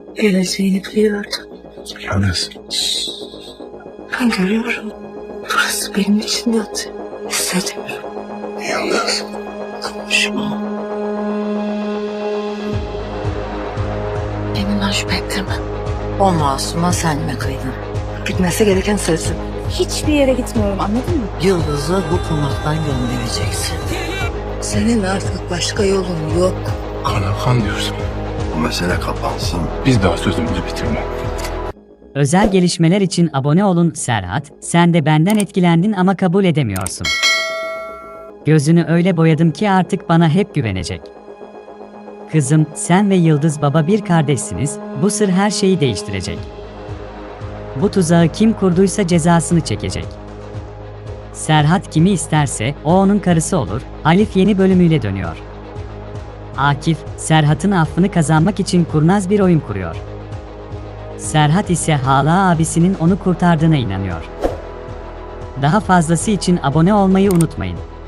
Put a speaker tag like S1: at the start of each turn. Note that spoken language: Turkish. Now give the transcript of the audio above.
S1: Geleceğini biliyordum.
S2: Yalnız.
S1: Ben görüyorum. Burası benim için yatıyor. Hissediyorum.
S2: Yalnız.
S1: Konuşma. Kendinden şüphe ettirme. O masuma sen mi kıydın? Gitmesi gereken sensin.
S3: Hiçbir yere gitmiyorum, anladın mı?
S1: Yıldız'ı bu konaktan göndereceksin. Senin artık başka yolun yok.
S2: Kana kan diyorsun.
S4: Bu mesele kapansın.
S2: Biz daha sözümüzü bitirme.
S5: Özel gelişmeler için abone olun. Serhat, sen de benden etkilendin ama kabul edemiyorsun. Gözünü öyle boyadım ki artık bana hep güvenecek. Kızım, sen ve Yıldız Baba bir kardeşsiniz, bu sır her şeyi değiştirecek. Bu tuzağı kim kurduysa cezasını çekecek. Serhat kimi isterse, o onun karısı olur. Alif yeni bölümüyle dönüyor. Akif, Serhat'ın affını kazanmak için kurnaz bir oyun kuruyor. Serhat ise hala abisinin onu kurtardığına inanıyor. Daha fazlası için abone olmayı unutmayın.